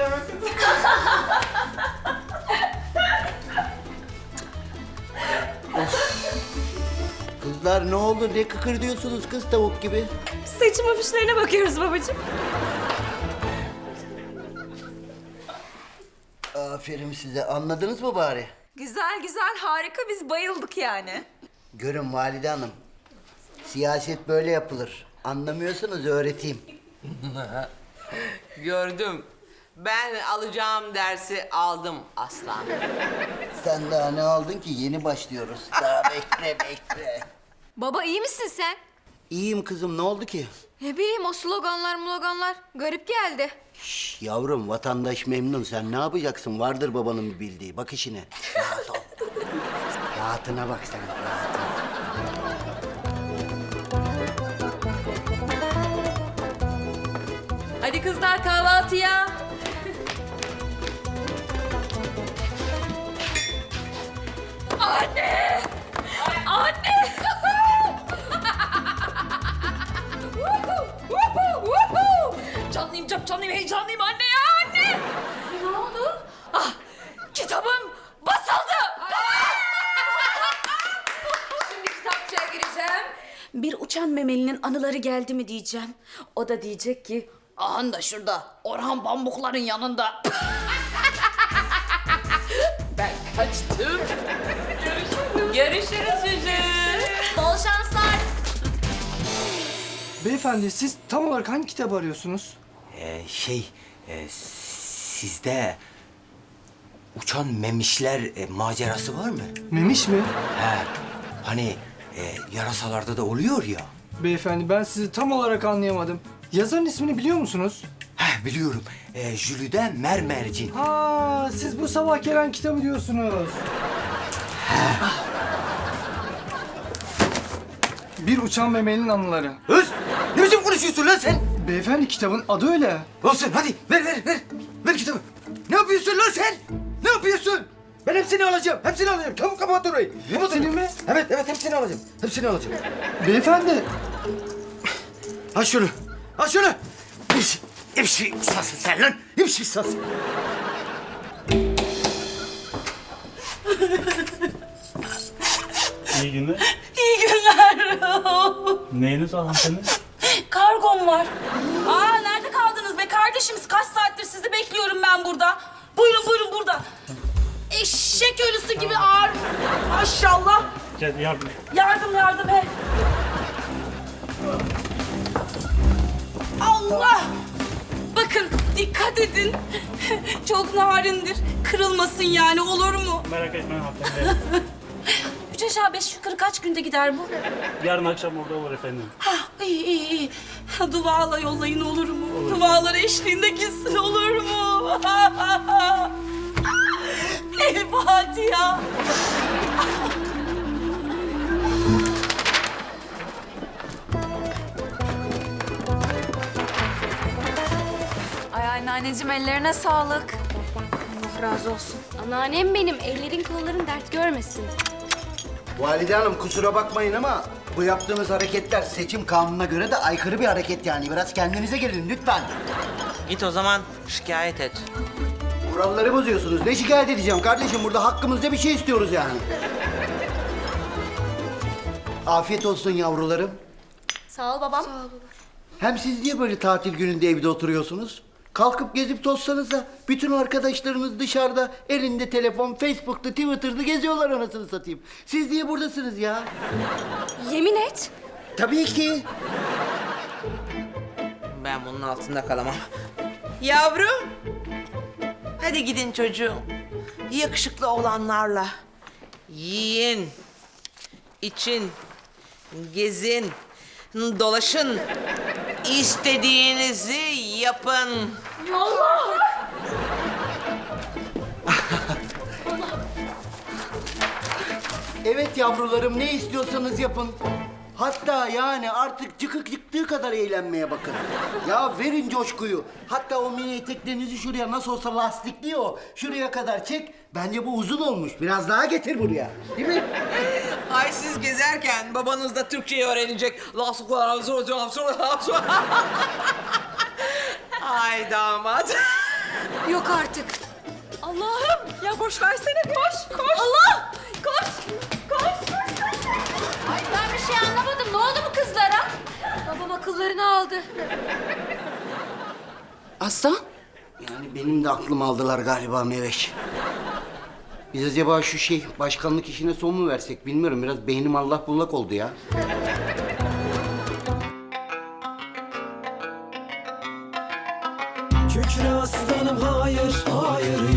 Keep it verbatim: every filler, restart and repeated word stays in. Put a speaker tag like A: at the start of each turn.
A: söyleme kızım.
B: Kızlar ne oldu? Ne kıkır diyorsunuz kız tavuk gibi?
C: Seçim afişlerine bakıyoruz babacığım.
B: Aferin size. Anladınız mı bari?
C: Güzel güzel harika biz bayıldık yani.
B: Görün Valide Hanım. Siyaset böyle yapılır. Anlamıyorsanız öğreteyim.
A: Gördüm. Ben alacağım dersi aldım aslan.
B: Sen daha ne aldın ki? Yeni başlıyoruz. Daha bekle bekle.
D: Baba iyi misin sen?
B: İyiyim kızım. Ne oldu ki?
D: Ne bileyim o sloganlar sloganlar garip geldi.
B: Şş, yavrum vatandaş memnun. Sen ne yapacaksın? Vardır babanın bir bildiği. Bak işine. Rahat ol. Rahatına bak sen. Rahatına.
D: Hadi kızlar kahvaltıya.
C: Anne! Anne! Woohoo! Woohoo! Woohoo! Canlıyım çok canlıyım heyecanlıyım anne ya anne! Ne oldu? Ah kitabım basıldı! Şimdi kitapçıya gireceğim. Bir uçan memelinin anıları geldi mi diyeceğim. O da diyecek ki ahan da şurada Orhan Pamukların yanında. Ben kaçtım. Görüşürüz çocuğum. Bol şanslar.
E: Beyefendi siz tam olarak hangi kitabı arıyorsunuz?
F: Ee, şey, e, sizde uçan memişler e, macerası var mı?
E: Memiş mi?
F: He, hani e, yarasalarda da oluyor ya.
E: Beyefendi ben sizi tam olarak anlayamadım. Yazarın ismini biliyor musunuz?
F: He, biliyorum. E, Jülide Mermercin.
E: Ha, siz bu sabah gelen kitabı diyorsunuz. Bir uçan memelinin anıları.
F: Öz, ne biçim konuşuyorsun lan sen?
E: Beyefendi kitabın adı öyle.
F: Olsun, hadi ver, ver, ver. Ver kitabı. Ne yapıyorsun lan sen? Ne yapıyorsun? Ben hepsini alacağım, hepsini alacağım. Çabuk kapat orayı. Kapat
E: Hepsini
F: orayı.
E: mi?
F: Evet, evet, hepsini alacağım. Hepsini alacağım.
E: Beyefendi.
F: Al şunu, al şunu. Hepsi, hepsi sasın sen lan. Hepsi sasın.
G: İyi günler.
C: İyi günler.
G: Neyiniz var hanımefendi?
C: Kargom var. Aa nerede kaldınız be kardeşim? Kaç saattir sizi bekliyorum ben burada. Buyurun buyurun burada. Eşek ölüsü gibi ağır. Maşallah.
G: Gel yardım.
C: Yardım yardım he. Allah! Bakın dikkat edin. Çok narindir. Kırılmasın yani olur mu?
G: Merak etmeyin hanımefendi.
C: Üç aşağı beş yukarı kaç günde gider bu?
G: Yarın akşam orada olur efendim.
C: Hah iyi iyi iyi. Duvala yollayın olur mu? Dualar eşliğinde gitsin olur mu? El Fatiha.
D: Ay anneanneciğim ellerine sağlık. Allah razı olsun.
H: Anneannem benim. Ellerin kolların dert görmesin.
B: Valide Hanım kusura bakmayın ama bu yaptığınız hareketler seçim kanununa göre de aykırı bir hareket yani. Biraz kendinize gelin lütfen.
A: Git o zaman şikayet et.
B: Kuralları bozuyorsunuz. Ne şikayet edeceğim kardeşim? Burada hakkımızda bir şey istiyoruz yani. Afiyet olsun yavrularım.
H: Sağ ol babam.
B: Hem siz niye böyle tatil gününde evde oturuyorsunuz? Kalkıp gezip tozsanız da bütün arkadaşlarınız dışarıda elinde telefon, Facebook'ta, Twitter'da geziyorlar anasını satayım. Siz niye buradasınız ya?
C: Yemin et.
B: Tabii ki.
A: Ben bunun altında kalamam. Yavrum. Hadi gidin çocuğum. Yakışıklı olanlarla yiyin, için, gezin, dolaşın. İstediğinizi yapın.
B: Evet yavrularım ne istiyorsanız yapın. Hatta yani artık çıkık çıktığı kadar eğlenmeye bakın. Ya verin coşkuyu. Hatta o mini eteklerinizi şuraya nasıl olsa lastikli o. Şuraya kadar çek. Bence bu uzun olmuş. Biraz daha getir buraya. Değil mi?
A: Ay siz gezerken babanız da Türkçeyi öğrenecek. Ay damat.
C: Yok artık. Allah'ım ya boş versene koş koş. Allah koş koş koş.
D: Ay ben bir şey anlamadım. Ne oldu bu kızlara? Babam akıllarını aldı.
C: Aslan.
B: Yani benim de aklımı aldılar galiba Meveş. Biz acaba şu şey başkanlık işine son mu versek bilmiyorum. Biraz beynim allak bullak oldu ya.
I: Kükre aslanım hayır, hayır